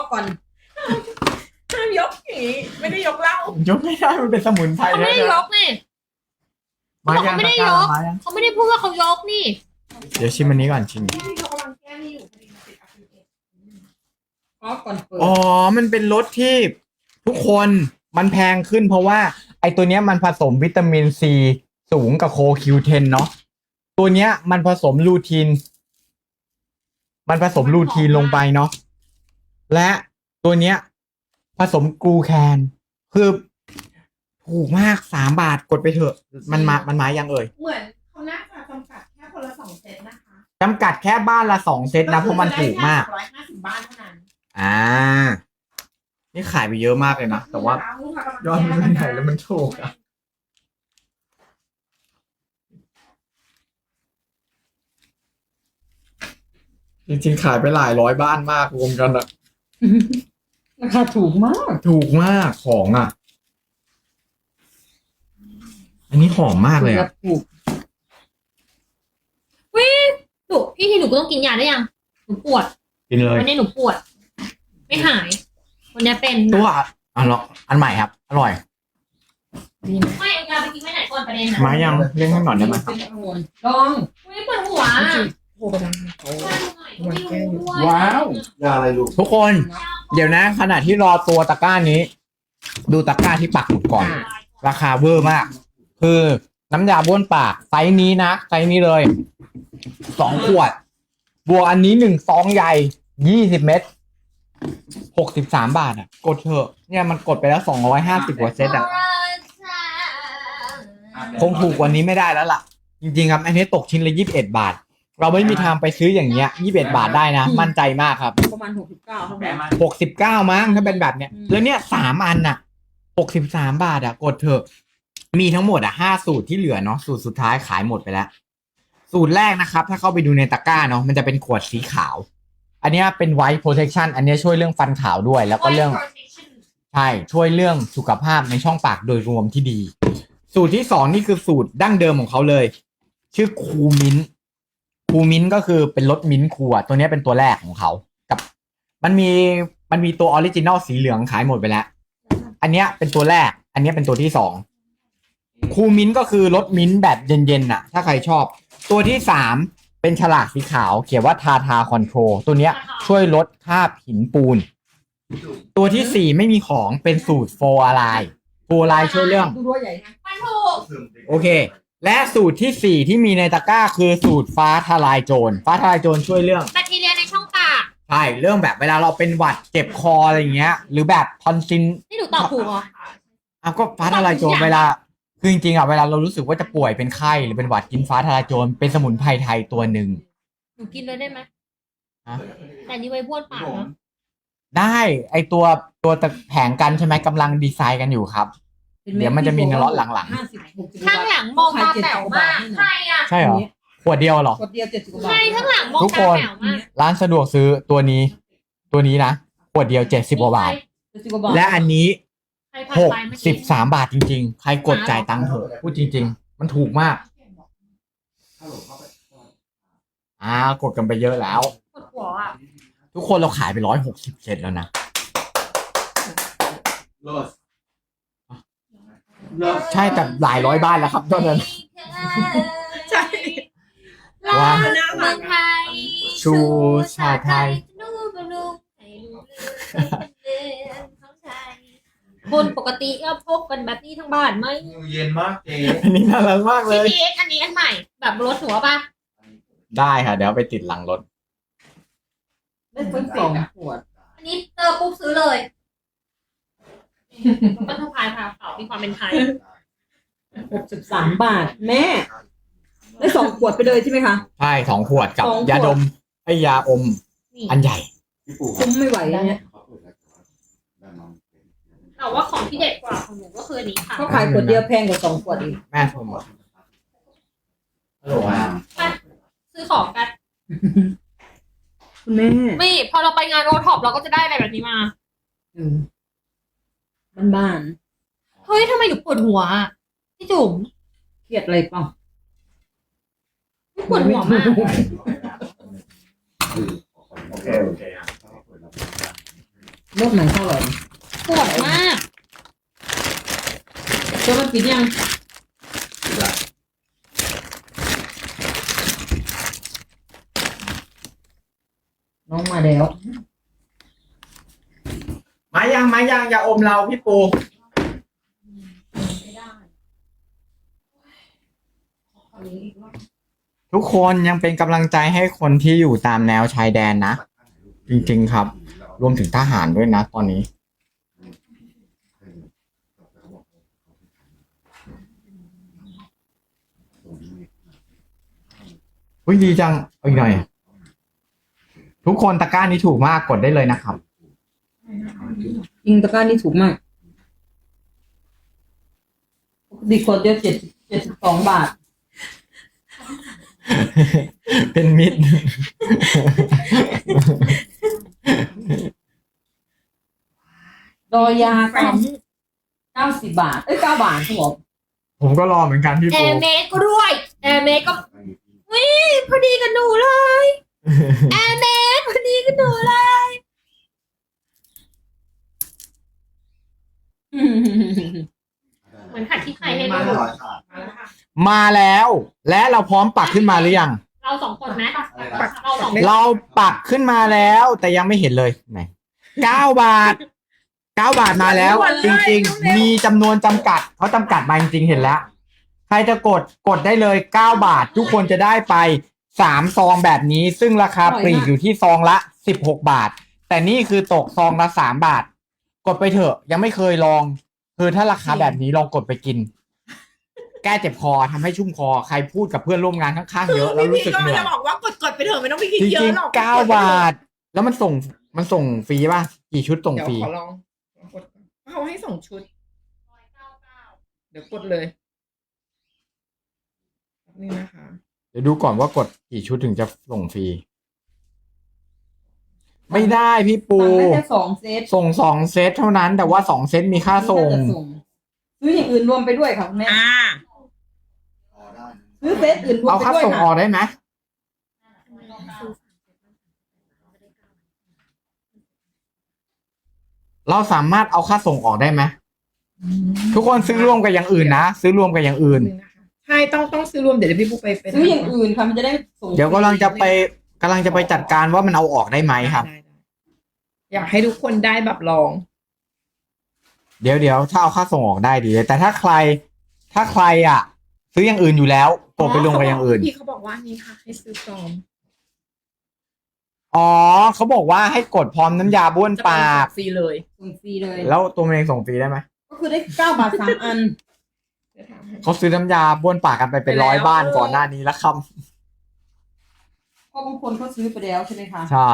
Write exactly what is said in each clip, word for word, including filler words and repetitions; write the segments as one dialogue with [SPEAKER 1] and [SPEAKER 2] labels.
[SPEAKER 1] ก่อนห้ามยกอย่างนี้ไม่ได้ยกเหล้าย
[SPEAKER 2] กไม่ได้มันเป็นสมุนไพร
[SPEAKER 3] เขาไม่ได้ยกนี่
[SPEAKER 2] มา
[SPEAKER 3] เขา
[SPEAKER 2] ยัง
[SPEAKER 3] ไม่ได้ยก
[SPEAKER 2] มายัง
[SPEAKER 3] เขาไม่ได้พูดว่าเขายกนี่
[SPEAKER 2] เดี๋ยวชิมอันนี้ก่อนชิม
[SPEAKER 1] ที่เขากำลังแก้นี่อยู่พอดีมันติดอัพเดตก็ก่อนเปิด
[SPEAKER 2] อ๋อมันเป็นรสที่ทุกคนมันแพงขึ้นเพราะว่า ไอตัวเนี้ยมันผสมวิตามินซีสูงกับโคคิวเทนเนาะตัวเนี้ยมันผสมลูทีน มันผสมลูทีนลงไปเนาะและตัวเนี้ย ผสมกลูแคนคือถูกมากสามบาทกดไปเถอะ มันมามันมายังเอ่ย
[SPEAKER 1] เหมือนเขาน่าจะจำกัดแค่คนละสองเซตนะคะ
[SPEAKER 2] จำกัดแค่บ้านละสองเซตนะเพราะมันถูกมาก
[SPEAKER 1] ร้อยห้าสิบบ้านเท่านั้น
[SPEAKER 2] อ่า นี่ขายไปเยอะมากเลยนะ แต่ว่า ยอดมันใหญ่แล้วมันถูกอะจริงๆขายไปหลายร้อยบ้านมากรวมกันอะ
[SPEAKER 1] ราคาถูกมาก
[SPEAKER 2] ถูกมากของอะอันนี้หอมมากเลยอะ
[SPEAKER 1] ถูก
[SPEAKER 3] หนูพี่ที่หนูก็ต้องกินยาได้ยัง หนูปวด
[SPEAKER 2] กินเลย
[SPEAKER 3] วันนี้หนูปวด ไม่หาย วันนี้เป็น
[SPEAKER 2] ตัวอันละอันใหม่ครับ อร่อย
[SPEAKER 1] ดีไหม
[SPEAKER 3] ไม่เอายาไปกินไม่ไหนก่อนประเด็นนะ
[SPEAKER 2] มายังเร่งให้หน่อยได้ไหมครับ
[SPEAKER 1] ลอง
[SPEAKER 3] อุ้ยปวดหัว
[SPEAKER 1] โทรไปดังเขา
[SPEAKER 3] ไม่รู้ด้วย
[SPEAKER 1] ว้าว
[SPEAKER 4] ยาอะไรลูก
[SPEAKER 2] ทุกคน เดี๋ยวนะ ขณะที่รอตัวตะกร้านี้ ดูตะกร้าที่ปักหมุดก่อน ราคาเวอร์มาก คือน้ำยาบ้วนปากไซส์นี้นะไซส์นี้เลยสองขวด บวกอันนี้หนึ่งซองใหญ่ยี่สิบเม็ดหกสิบสามบาทอ่ะ กดเถอะเนี่ยมันกดไปแล้วสองร้อยห้าสิบกว่าเซตอ่ะ คงถูกกว่านี้ไม่ได้แล้วล่ะ จริงๆครับ อันนี้ตกชิ้นละยี่สิบเอ็ดบาท เราไม่มีทางไปซื้ออย่างเงี้ยยี่สิบเอ็ดบาทได้นะ มั่นใจมากครับ
[SPEAKER 1] ประมาณหกสิบเก้าเท่านั้น
[SPEAKER 2] หกสิบเก้ามั้งถ้าเป็นแบบเนี้ย
[SPEAKER 1] อืม
[SPEAKER 2] แล้วเนี่ยสามอันน่ะหกสิบสามบาทอ่ะ กดเถอะ มีทั้งหมดอ่ะห้าสูตรที่เหลือเนาะสูตรสุดท้ายขายหมดไปแล้ว สูตรแรกนะครับ ถ้าเข้าไปดูในตะกร้าเนาะมันจะเป็นขวดสีขาว อันเนี้ยเป็น white protection อันเนี้ยช่วยเรื่องฟันขาวด้วย แล้วก็เรื่อง ใช่ ช่วยเรื่องสุขภาพในช่องปากโดยรวมที่ดี สูตรที่สองนี่คือสูตรดั้งเดิมของเขาเลย ชื่อคูมิ้นคูมิ้นก็คือเป็นรสมิ้นท์คูอะตัวเนี้ยเป็นตัวแรกของเขากับมันมีมันมีตัวออริจินอลสีเหลืองขายหมดไปแล้ว อันเนี้ยเป็นตัวแรก อันเนี้ยเป็นตัวที่สองคูมิ้นก็คือรสมิ้นท์แบบเย็นๆน่ะ ถ้าใครชอบ ตัวที่สามเป็นฉลากสีขาว เขียนว่าทาทาคอนโทรลตัวเนี้ยช่วยลดคราบหินปูน ตัวที่สี่ไม่มีของเป็นสูตรโฟอะไลน์โฟอะไลน์ช่วยเรื่อง
[SPEAKER 1] ดูด้วยใหญ่นะ
[SPEAKER 3] มันถูก
[SPEAKER 2] โอเค และสูตรที่สี่ที่มีในตะกร้าคือสูตรฟ้าทลายโจร ฟ้าทลายโจรช่วยเรื่อง
[SPEAKER 3] แบคทีเรียในช่องปาก
[SPEAKER 2] ใช่ เรื่องแบบเวลาเราเป็นหวัดเจ็บคออะไรอย่างเงี้ย หรือแบบทอนซิล
[SPEAKER 3] นี่หนูตอบถูกเหรอ
[SPEAKER 2] อ้าวก็ฟ้าทลายโจรเวลา คือจริงๆอ่ะเวลาเรารู้สึกว่าจะป่วยเป็นไข้หรือเป็นหวัดกินฟ้าทลายโจรเป็นสมุนไพรไทยตัวหนึ่ง
[SPEAKER 3] หนูกินเลยได้ไหม
[SPEAKER 2] ฮะ
[SPEAKER 3] แต่นี่ไว้บ้วนปากเนาะ
[SPEAKER 2] ได้ไอตัวตัวตะแผงกันใช่ไหมกำลังดีไซน์กันอยู่ครับ เดี๋ยวมันจะมีในล็อตหลัง
[SPEAKER 1] ห้าสิบหกสิบ
[SPEAKER 3] ข้างหลังมองตาแป๋วมาก ใครอ่ะ
[SPEAKER 2] ๆ ใช่เหรอ ขวดเดียวเหรอ
[SPEAKER 1] กดเดียวเจ็ดสิบกว่าบา
[SPEAKER 3] ใคร
[SPEAKER 1] ท
[SPEAKER 3] ข้างหลังมอง
[SPEAKER 2] ทุก
[SPEAKER 3] ตา
[SPEAKER 2] คน
[SPEAKER 3] แป๋วมาก
[SPEAKER 2] ร้านสะดวกซื้อตัวนี้ ตัวนี้นะขวดเดียวเจ็ดสิบกว่าบาท
[SPEAKER 1] เจ็ดสิบกว่าบาท
[SPEAKER 2] และอันนี้
[SPEAKER 3] ใครผ่าน
[SPEAKER 2] หก
[SPEAKER 3] ไปเมื่อ
[SPEAKER 2] สิ
[SPEAKER 3] กี้
[SPEAKER 2] บสามบาทจริงๆ ใครกดจ่ายตังค์เถอะพูดจริง ๆ มันถูกมาก อ่ากดกันไปเยอะแล้ว
[SPEAKER 3] ปวดหัวอ่ะ
[SPEAKER 2] ทุกคนเราขายไปร้อยหกสิบเจ็ดแล้วนะ
[SPEAKER 4] เลิศเลิศ
[SPEAKER 2] ใช่แต่หลายร้อยบ้านแล้วครับตอนนั้น
[SPEAKER 1] ใช่
[SPEAKER 3] ว่าเมืองไทย
[SPEAKER 2] ชูชาไทย
[SPEAKER 3] นูบลูให้ลูกเลือนของไทยบนปกติก็พกกันแบบนี้ทั้งบ้านไหม
[SPEAKER 4] เย็นมากเจ๊
[SPEAKER 2] อันนี้น่ารักมากเล
[SPEAKER 3] ซี
[SPEAKER 2] ย
[SPEAKER 3] พีเอ็กอันนี้อันใหม่ แบบรถหัวป่ะ
[SPEAKER 2] ได้ค่ะ เดี๋ยวเอาไปติดหลังรถ
[SPEAKER 1] ได้ทั้งสองขวด
[SPEAKER 3] อันนี้เจอปุ๊บซื้อเลย ก็สะพายพาเก่ามีความเป็นไทย
[SPEAKER 1] หกสิบสามบาท แม่ ได้สองขวดไปเลยใช่ไหมคะ
[SPEAKER 2] ใช่สองขวดกับ
[SPEAKER 1] สองขวด
[SPEAKER 2] ยาดมไอยาอม
[SPEAKER 3] นี่
[SPEAKER 2] อันใหญ่
[SPEAKER 4] พี่ปู่
[SPEAKER 1] คุ้มไม่ไหวเนี่ย
[SPEAKER 3] แต่ว่าของที่เด็ดกว่าของหนูก็คืออันนี้ค่ะ
[SPEAKER 1] เขาขายขวดเดียวแพงกว่าสองขวดอีก
[SPEAKER 2] แม่ชมหมด
[SPEAKER 4] ฮัลโหลอ่ะ
[SPEAKER 3] ไปซื้อของกัน
[SPEAKER 1] คุณแม่
[SPEAKER 3] ไม่พอเราไปงานโอท็อปเราก็จะได้อะไรแบบนี้มา
[SPEAKER 1] อืมบ้าน
[SPEAKER 3] เฮ้ยทำไมหนูปวดหัวอะพี่จุ๋ม
[SPEAKER 1] ๆเครียดอะไรเปล่า
[SPEAKER 3] ปวดหัวมาก
[SPEAKER 4] โอเคโอเคอ่ะ
[SPEAKER 1] โลกไหนเท่าไหร่
[SPEAKER 3] ปวดมาก
[SPEAKER 1] ตัวมันปิดยังน้องมาแล้ว
[SPEAKER 2] มายังมายังอย่าอมเราพี่ปู
[SPEAKER 3] ไม่ได้
[SPEAKER 2] ทุกคนยังเป็นกำลังใจให้คนที่อยู่ตามแนวชายแดนนะ จริงๆครับ รวมถึงทหารด้วยนะตอนนี้อุ้ยดีจังเอาอีกหน่อย ทุกคนตะกร้านี้ถูกมากกดได้เลยนะครับ
[SPEAKER 1] จริงตะกร้านี่ถูกมากปกติขวดเดียวเจ็ดเจ็ดสิบสองบาท
[SPEAKER 2] เป็นมิตร
[SPEAKER 1] ดอยาเก้าเก้าสิบบาท เอ้ยเก้าบาทครับผม
[SPEAKER 2] ผมก็รอเหมือนกันพี่
[SPEAKER 3] แอ
[SPEAKER 2] ปู
[SPEAKER 3] ร์เมสก็ด้วยแอร์เมสก็วิพอดีกับหนูเลยแอร์เมสพอดีกับหนูเลย เหมือนขัดที่ใครให้
[SPEAKER 4] มา
[SPEAKER 3] ดู
[SPEAKER 4] หน่อยค่ะ
[SPEAKER 2] มาแล้ว และเราพร้อมปักขึ้นมาหรือยัง
[SPEAKER 3] เราสองคนไหม
[SPEAKER 4] อะไรนะ
[SPEAKER 3] เราสองคน
[SPEAKER 2] เราปักขึ้นมาแล้ว แต่ยังไม่เห็นเลยไหนเก้าบาทเก้าบาทมาแล้ว จริงๆ มีจำนวนจำกัดเขาจำกัดมาจริงๆเห็นแล้ว ใครจะกดกดได้เลยเก้าบาท ทุกคนจะได้ไปสามซองแบบนี้ ซึ่งราคาปลีกอยู่ที่ซองละสิบหกบาท แต่นี่คือตกซองละสามบาท กดไปเถอะ ยังไม่เคยลองคือถ้าราคาแบบนี้ลองกดไปกิน แก้เจ็บคอทำให้ชุ่มคอใครพูดกับเพื่อนร่วมงานข้างๆเยอะแล้วรู้สึกเหนื่อย
[SPEAKER 5] จะบอกว่ากดกดไปเถอะไม่ต้องไปคิด
[SPEAKER 2] จ
[SPEAKER 5] เย
[SPEAKER 2] ริง
[SPEAKER 5] อะหรอก
[SPEAKER 2] ๆเก้าบาท แล้วมันส่งมันส่งฟรีป่ะ กี่ชุดส่ง
[SPEAKER 5] เดี๋ยว
[SPEAKER 2] ฟรี
[SPEAKER 5] ขอลองลองกดก่อนเขาให้ส่งชุด เดี๋ยวกดเลยนี่นะคะ
[SPEAKER 2] เดี๋ยวดูก่อนว่ากดกี่ชุดถึงจะส่งฟรี ไม่ได้พี่ปู
[SPEAKER 1] สั่งได้แค่สองเซต
[SPEAKER 2] ส่งสองเซตเท่านั้น แต่ว่าสองเซตมีค่าส่ง
[SPEAKER 1] ซื้ออย่างอื่นรวมไปด้วยค่ะคุณแม่
[SPEAKER 5] อ่า
[SPEAKER 4] พอได้นะ
[SPEAKER 1] ซื้อเซตอื่นรวม
[SPEAKER 2] เอา
[SPEAKER 1] ไป
[SPEAKER 2] ค่า
[SPEAKER 1] ด้วย
[SPEAKER 2] ส่งอ
[SPEAKER 1] ค่ะ
[SPEAKER 2] อกได้ไหมเราสามารถเอาค่าส่งออกได้ไหมทุกคนซื้อร่วมกับอย่างอื่นนะซื้อร่วมกับอย่างอื่น
[SPEAKER 5] นึงนะคะใช่ต้องต้องซื้อรวมเดี๋ยวพี่ปุ๊กไปไป
[SPEAKER 1] ซื้ออย่างอื่นค่ะมันจะได้ส่ง
[SPEAKER 2] เดี๋ยวกำลังจะไปกำลังจะไปจัดการว่ามันเอาออกได้ไหมครับ
[SPEAKER 5] ได้ได้อยากให้ทุกคนได้แบบลอง
[SPEAKER 2] เดี๋ยวเดี๋ยวถ้าเอาค่าส่งออกได้ดีเลยแต่ถ้าใคร ถ้าใครอ่ะ ซื้ออย่างอื่นอยู่แล้วกดไปลงกับอย่างอื่น
[SPEAKER 5] พี่เขาบอกว่านี่ค่ะ ให้ซื้อปลอม
[SPEAKER 2] อ๋อเขาบอกว่าให้กดพร้อมน้ำยาบ้วน
[SPEAKER 5] จะ
[SPEAKER 2] ปาก
[SPEAKER 5] ฟรีเลย
[SPEAKER 1] ส่งฟรีเลย
[SPEAKER 2] แล้วตัวมันเองส่งฟรีได้ไหม
[SPEAKER 1] ก็คือได้เก้าบาทสามอัน
[SPEAKER 5] เดี๋ยวถามให้
[SPEAKER 2] เขาซื้อน้ำยาบ้วนปากกันไปเป็นร้อยบ้านก่อนหน้านี้แล้วครับ
[SPEAKER 1] เพราะบางคนเขาซื้อไปแล้วใช่ไหมคะ
[SPEAKER 2] ใช่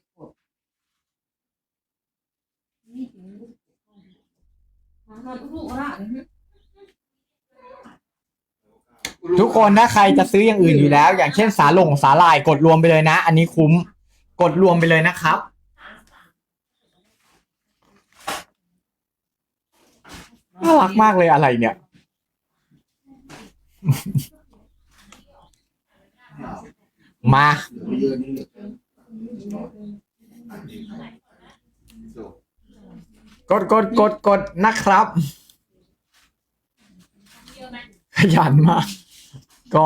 [SPEAKER 2] ทุกคนถ้าใครจะซื้ออย่างอื่นอยู่แล้ว อย่างเช่นสาหลงสาหร่ายกดรวมไปเลยนะ อันนี้คุ้มกดรวมไปเลยนะครับ น่ารักมากเลยอะไรเนี่ย มา
[SPEAKER 4] เหลือไม่เยอะนี่เหลือเกินอันนี้จบ
[SPEAKER 2] กดกดกดกดนะครับ ขยันมาก ก็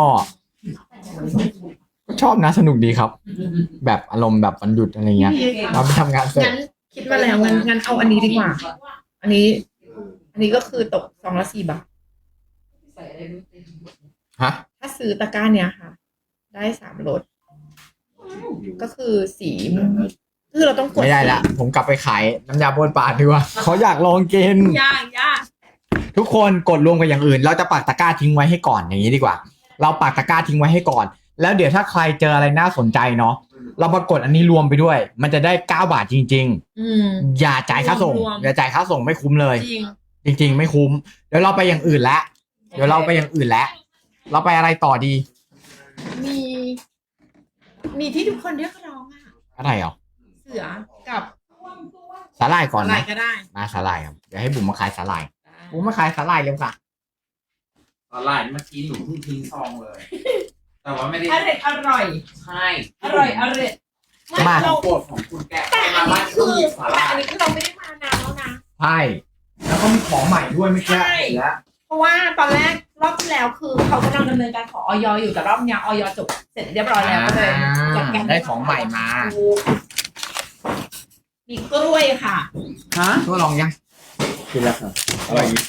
[SPEAKER 2] ก็ชอบนะสนุกดีครับ แบบอารมณ์แบบวันหยุดอะไรเงี้ยเราไปทำงานเสร็จ
[SPEAKER 5] งั้นคิดมาแล้วงั้นงั้นเอาอันนี้ดีกว่า อันนี้ อันนี้ก็คือตกซองละสี่บาท
[SPEAKER 2] ฮะ
[SPEAKER 5] ถ้าซื้อตะกร้าเนี้ยค่ะ ได้สามรสก็คือสีคือเราต้องกด
[SPEAKER 2] ไม่ได้ละผมกลับไปขายน้ำยาบ้วนปากดีกว่าเขาอยากลองกิน
[SPEAKER 5] ยากยาก
[SPEAKER 2] ทุกคนกดรวมกับอย่างอื่น เราจะปักตะกร้าทิ้งไว้ให้ก่อนอย่างนี้ดีกว่า เราปักตะกร้าทิ้งไว้ให้ก่อน แล้วเดี๋ยวถ้าใครเจออะไรน่าสนใจเนาะเรามากดอันนี้รวมไปด้วย มันจะได้เก้าบาทจริง
[SPEAKER 5] อืม
[SPEAKER 2] ๆ อย่าจ่ายค่าส่ง
[SPEAKER 5] รวมๆ
[SPEAKER 2] อย่าจ่ายค่าส่งไม่คุ้มเลย
[SPEAKER 5] จริง
[SPEAKER 2] จริง ๆ ไม่คุ้ม เดี๋ยวเราไปอย่างอื่นแล้วเดี๋ยวเราไปอย่างอื่นแล้วเราไปอะไรต่อดี
[SPEAKER 5] มี มีที่ทุกคนเรียกร้องอ่ะ
[SPEAKER 2] อะไรเหรอ
[SPEAKER 5] เสือกับ
[SPEAKER 2] สาหร่ายก่อน
[SPEAKER 5] อะไร
[SPEAKER 2] นะ
[SPEAKER 5] ก็ได้
[SPEAKER 2] มาสาหร่ายครับเดี๋ยวให้บุ๋มมาขายสาหร่ายบุ๋มมาขายสาหร่ายเร็วค่ะ
[SPEAKER 6] ตอนไลน์เมื่อกี้หนูเพิ่งทิ้งซองเลย แต่ว่าไม่ได้
[SPEAKER 5] อร่อยอร่อย
[SPEAKER 6] ใช่
[SPEAKER 5] อร่อยอร่อย
[SPEAKER 2] มา
[SPEAKER 5] เรา
[SPEAKER 6] โปรดของคุณแก
[SPEAKER 5] แต่อั
[SPEAKER 6] มาน บ้า
[SPEAKER 5] นี้
[SPEAKER 6] น
[SPEAKER 5] คื
[SPEAKER 6] ต้อง
[SPEAKER 5] อ
[SPEAKER 6] หยิบสาห
[SPEAKER 5] แต่
[SPEAKER 6] ร่าย
[SPEAKER 5] อันนี้คือเราไม่ได้
[SPEAKER 2] ช่ แล้วก็มีของใหม่ด้วยไม่ใช่
[SPEAKER 5] ใช่
[SPEAKER 2] แล้ว
[SPEAKER 5] เพราะว่าตอนแรกรอบที่แล้วคือเขากำลังดำเนินการขอออยอยู่แต่รอบเนี้ยออยจบเสร็จเรียบร้อยแล้วก็เลยจัดการ
[SPEAKER 2] ได้ของใหม่มา
[SPEAKER 5] มีกล้วยค่ะ
[SPEAKER 2] ฮะตัวลองยัง
[SPEAKER 6] กินแล้วครับอร่อยดี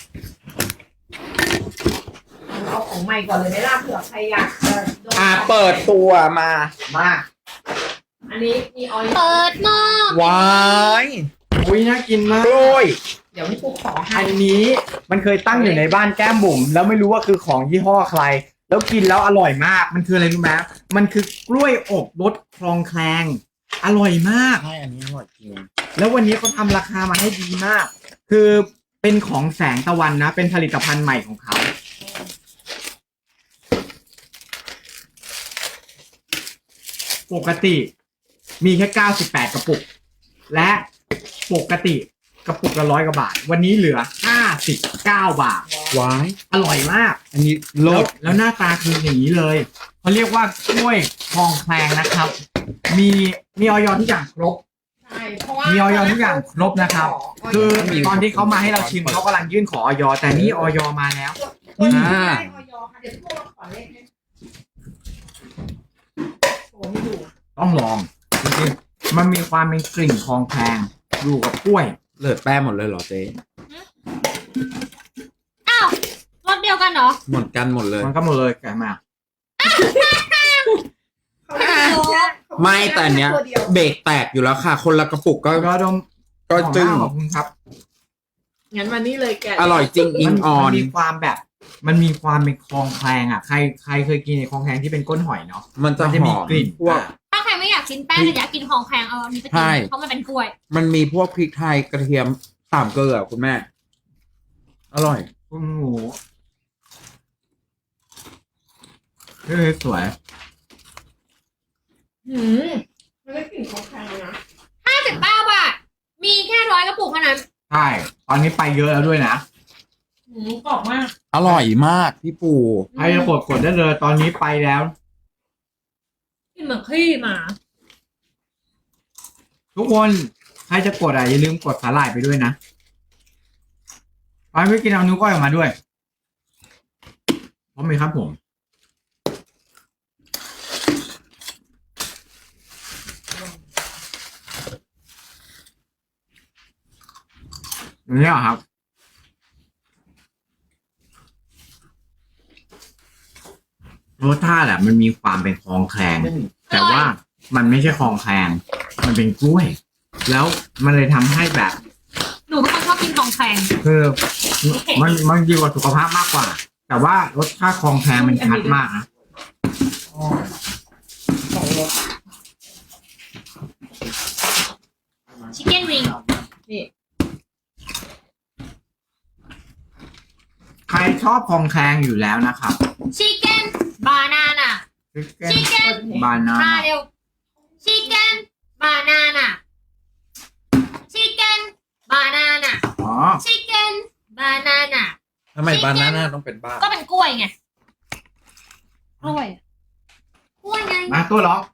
[SPEAKER 5] เอาของใหม่ก่อนเลยไหมล่ะเผื่อใครอยากจะโดน
[SPEAKER 6] อ่าเปิดตัวมา
[SPEAKER 2] มา
[SPEAKER 5] อันนี้มีออย
[SPEAKER 3] เปิดหม้อ
[SPEAKER 6] ว้าย
[SPEAKER 2] อุ้ยน่ากินมาก
[SPEAKER 6] กล้วย
[SPEAKER 5] เดี๋ยวพี่ปุ๊กขอให้
[SPEAKER 2] อันนี้มันเคยตั้งอยู่ในบ้านแก้มบุ๋มแล้วไม่รู้ว่าคือของยี่ห้อใคร แล้วกินแล้วอร่อยมาก มันคืออะไรรู้ไหมมันคือกล้วยอบรสคลองแคลงอร่อยมาก
[SPEAKER 6] ใช่อันนี้อร่อยจริง
[SPEAKER 2] แล้ววันนี้เขาทำราคามาให้ดีมาก คือเป็นของแสงตะวันนะ เป็นผลิตภัณฑ์ใหม่ของเขา ปกติมีแค่เก้าสิบแปดกระปุก และปกติกระปุกละร้อยกว่าบาท วันนี้เหลือห้าสิบเก้าบาท
[SPEAKER 6] ว้าย
[SPEAKER 2] อร่อยมาก
[SPEAKER 6] อันนี้
[SPEAKER 2] แล้
[SPEAKER 6] ร
[SPEAKER 2] ว
[SPEAKER 6] ส
[SPEAKER 2] แล้วหน้าตาคืออย่างนี้เลยเขาเรียกว่ากล้วยคลองแคลงนะครับ มีมีออยทุกอย่างครบ
[SPEAKER 5] ใช่เพราะว่า
[SPEAKER 2] มีออยทุกอย่างครบนะครับ คือตอนที่เขามาให้เราชิมเขากำลังยื่นขอออยแต่นี่ออยมาแล้ว
[SPEAKER 5] ตัวนี้ได้ออยค่ะเดี๋ยวพี่ปุ๊กขอเลขให้โชว์ให้ดู
[SPEAKER 2] ต้องลองจริงๆมันมีความเป็นกลิ่นคลองแคลงอยู่กับกล้วย
[SPEAKER 6] เลิศแป้งหมดเลยเหรอเจ๊
[SPEAKER 3] อ้าวรสเดียวกันเหรอ
[SPEAKER 6] หมดกันหมดเลย
[SPEAKER 2] มันก็หมดเลยแกะมา
[SPEAKER 6] ไม่แต่อันเนี้ย เบรกแตกอยู่แล้วค่ะ คนละกระปุกก็
[SPEAKER 2] ก็ดม
[SPEAKER 6] ก็จึ้ง
[SPEAKER 2] ขอบคุณครับ
[SPEAKER 5] งั้นวันนี้เลยแกะ
[SPEAKER 6] อร่อยจริงอิ
[SPEAKER 2] มั
[SPEAKER 6] ง
[SPEAKER 2] น
[SPEAKER 6] ออ
[SPEAKER 2] มัน นมีความแบบ มันมีความเป็นคลองแคลงอ่ะใครใครเคยกินในคลองแคลงที่เป็นก้นหอยเนาะ
[SPEAKER 6] มันจะ
[SPEAKER 2] มันจะ
[SPEAKER 6] ห
[SPEAKER 2] มี
[SPEAKER 6] อม
[SPEAKER 2] กลิ่น
[SPEAKER 6] พวก
[SPEAKER 2] อ่ะ
[SPEAKER 3] ถ้าใครไม่อยากกินแป้งแต่อยากกินของแพงเอาอันนี้ไป
[SPEAKER 6] ใช่
[SPEAKER 3] กินเพราะมันเป็นกล้วย
[SPEAKER 6] มันมีพวกพริกไทยกระเทียมสามเกลือคุณแม่ อร่อย
[SPEAKER 2] คุณหมูเฮ้ยสวย
[SPEAKER 5] หืมมันได้กลิ่นของแข็งเลยนะ
[SPEAKER 3] ห้าสิบเก้าบาท มีแค่ร้อยกระปุกเท่านั้น
[SPEAKER 2] ใช่ ตอนนี้ไปเยอะแล้วด้วยนะ
[SPEAKER 5] หืมกรอบมาก
[SPEAKER 6] อร่อยมากพี่ปู
[SPEAKER 2] ใครจะกดกดได้เลย ตอนนี้ไปแล้ว
[SPEAKER 3] กินเหมือนขี้หมา
[SPEAKER 2] ทุกคนใครจะกดอ่ะอย่าลืมกดสาหร่ายไปด้วยนะไปไม่กินเอานิ้วก้อยออกมาด้วยพร้อมไหมครับผมอย่างนี้เหรอครับรสชาติอ่ะมันมีความเป็นคลองแคลง แต่ว่ามันไม่ใช่คลองแคลงมันเป็นกล้วย แล้วมันเลยทำให้แบบ
[SPEAKER 3] หนูเป็นคนชอบกินของแพง
[SPEAKER 2] คือมันมันดีกว่าสุขภาพมากกว่า แต่ว่ารสชาติคลองแคลงมันชัดมากนะ
[SPEAKER 3] ชิคเก้นวิง
[SPEAKER 2] ใครชอบคลองแคลงอยู่แล้วนะครับ
[SPEAKER 3] ชิคเก้นบานาน่ะ ชิคเก้น
[SPEAKER 2] บานา
[SPEAKER 3] มาเร็วชิคเก้นบานาน่ะชิคเก้นบานาน่ะ
[SPEAKER 2] อ๋อ
[SPEAKER 3] ชิคเก้นบานาน่ะ
[SPEAKER 6] ทำไมบานาน่าต้องเป็นบ้า
[SPEAKER 3] ก็เป็นกล้วยไงกล้วยกล้วยไง
[SPEAKER 2] มาตัวร้อง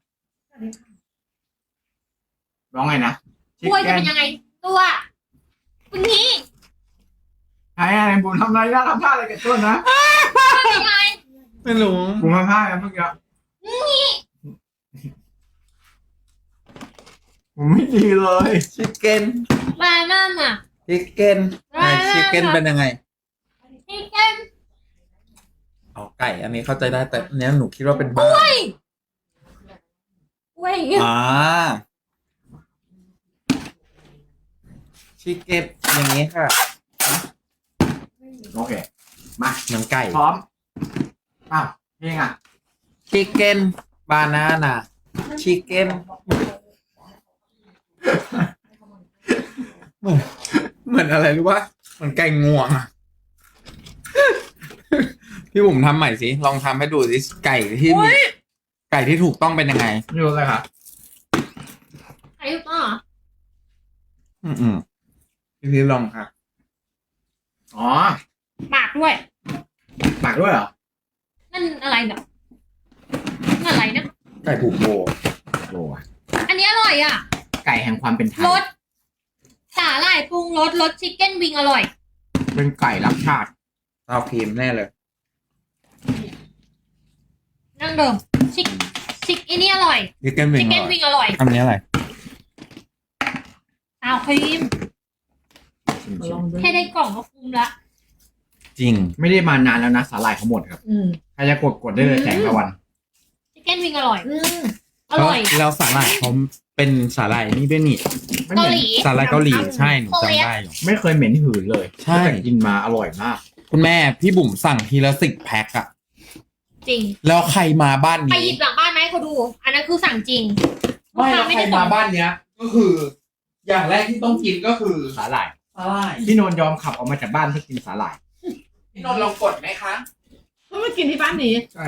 [SPEAKER 2] ร้องไงนะ
[SPEAKER 3] กล้วยจะเป็นยังไง ตัวเป็นงี้
[SPEAKER 2] ไอ้ไอ้บุญทำอะไรนะทำท่าอะไรกับต้นนะ
[SPEAKER 3] เป็นยังไง
[SPEAKER 6] ไม่รู้
[SPEAKER 2] บุญทำท่าอะไรเมื่อกี้ผมไม่ดีเลย
[SPEAKER 6] ชิคเก้น
[SPEAKER 3] บานาน่ะ
[SPEAKER 6] ชิคเก้นไหนชิคเก้นเป็นยังไง
[SPEAKER 3] ชิคเก้น
[SPEAKER 6] เอาไก่ อันนี้เข้าใจได้แต่อันเนี้ยหนูคิดว่าเป็นบ้า
[SPEAKER 3] กล้วยกล้วย
[SPEAKER 6] อ่าชิคเก้นอย่างนี้ค่ะ
[SPEAKER 2] โอเคมา
[SPEAKER 6] เหมือนไก่
[SPEAKER 2] พร้อมอ้าวเพลงอ่ะ
[SPEAKER 6] ชิคเก้นบานาน่าชิคเก้นเหมือนเหมือนอะไรรู้ป่ะเหมือนไก่งวงอะพี่บุ๋มทำใหม่สิลองทำให้ดูสิไก่ที่มีไก่ที่ถูกต้องเป็นยังไง
[SPEAKER 2] อยู่เลยค่ะ
[SPEAKER 3] ใครถูกต้องเหรอ
[SPEAKER 6] อืมอืมพี่พีชลองค่ะ
[SPEAKER 2] อ๋อ
[SPEAKER 3] ปากด้วย
[SPEAKER 2] ปากด้วยเหรอ
[SPEAKER 3] นั่นอะไรเนี่ยนั่นอะไรนะ
[SPEAKER 6] ไก่ผูกโบ
[SPEAKER 2] โอ้ย
[SPEAKER 3] อันนี้อร่อยอ่ะ
[SPEAKER 2] ไก่แห่งความเป็นไทย
[SPEAKER 3] รสสาหร่ายปรุงรสรสชิคเก้นวิงอร่อย
[SPEAKER 2] เป็นไก่รักชาติ
[SPEAKER 6] ซาวครีมแน่เลย
[SPEAKER 3] นั่งเดิมชิคชิคอันนี้อร่อย
[SPEAKER 6] ชิคเก้นวิ
[SPEAKER 3] ชิ
[SPEAKER 6] ง
[SPEAKER 3] คเก้นวิงอร่อย
[SPEAKER 6] อันนี้อะไร
[SPEAKER 3] อ้าวครีม
[SPEAKER 6] ชิม
[SPEAKER 1] ลองดู
[SPEAKER 3] แค่ได้กล่องก็คุ้มละ
[SPEAKER 6] ๆจริง
[SPEAKER 2] ไม่ได้มานานแล้วนะสาหร่ายเขาหมดครับ
[SPEAKER 1] อืม
[SPEAKER 2] ใครจะกดกดได้เลยแสงตะวัน
[SPEAKER 3] ชิคเก้นวิงอร่อย
[SPEAKER 1] อืม
[SPEAKER 3] อร่อย
[SPEAKER 6] แล้วสาหร่ายเขาเป็นสาหร่ายนี่ด้วยนี่
[SPEAKER 2] ไม่
[SPEAKER 3] เกา
[SPEAKER 2] เหม็น
[SPEAKER 3] หลี
[SPEAKER 6] สาหร่ายเกาหลีใช่หนูจำได้อยู่
[SPEAKER 2] ไม่เคยเหม็นหืนเลย
[SPEAKER 6] ใช่
[SPEAKER 2] ตั้งแต่กินมาอร่อยมาก
[SPEAKER 6] คุณแม่พี่บุ๋มสั่งทีละสิบแพ็คอะ
[SPEAKER 3] จริง
[SPEAKER 6] แล้วใครมาบ้าน
[SPEAKER 3] ไป
[SPEAKER 6] นี้
[SPEAKER 3] หยิบหลังบ้านไหมาให้เขาดู อันนั้นคือสั่งจริง
[SPEAKER 6] ไม่แล้ว
[SPEAKER 3] ลูก
[SPEAKER 6] ใคร
[SPEAKER 3] ค้
[SPEAKER 6] มา
[SPEAKER 3] ส่ง
[SPEAKER 6] บ้านเนี้ย ก็คือ อย่างแรกที่ต้องกินก็คือ
[SPEAKER 2] สาหร่าย
[SPEAKER 6] สาหร่าย
[SPEAKER 2] พี่นนท์ยอมขับออกมาจากบ้านเพื่อกินสาหร่าย
[SPEAKER 6] พี่นนท์ลองกดไหมคะ
[SPEAKER 5] เพิ่งมากินที่บ้านนี้
[SPEAKER 2] ใช่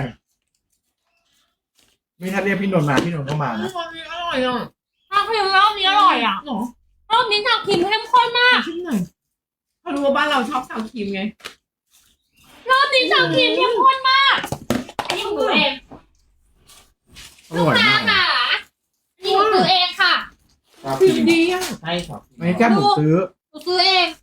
[SPEAKER 2] ไม่ถ้าเรียกพี่นนท์มาพี่นนท์ก็มา
[SPEAKER 5] อ
[SPEAKER 2] นะ
[SPEAKER 5] ร่อยอร่อยอ่ะ
[SPEAKER 3] ชาครีมรอบนี้อร่อยอ่ะ
[SPEAKER 5] หรอ
[SPEAKER 3] รอบนี้ชาครีมเข้มข้นมาก
[SPEAKER 5] ชิมหน่อยเขารู้ว่าบ้านเราชอบซาวครีมไง
[SPEAKER 3] รอบนี้ชาครีมเข้มข้นมากอันนี้ของหนูเอง
[SPEAKER 2] อร่อยมาก
[SPEAKER 3] ค่ะอันนี้ของหนูเองค่ะ
[SPEAKER 5] ครีมดีอ่ะ
[SPEAKER 6] ใช่ครับ
[SPEAKER 2] ไม่แค่หมูซื้อ
[SPEAKER 3] หนูซื้อเอง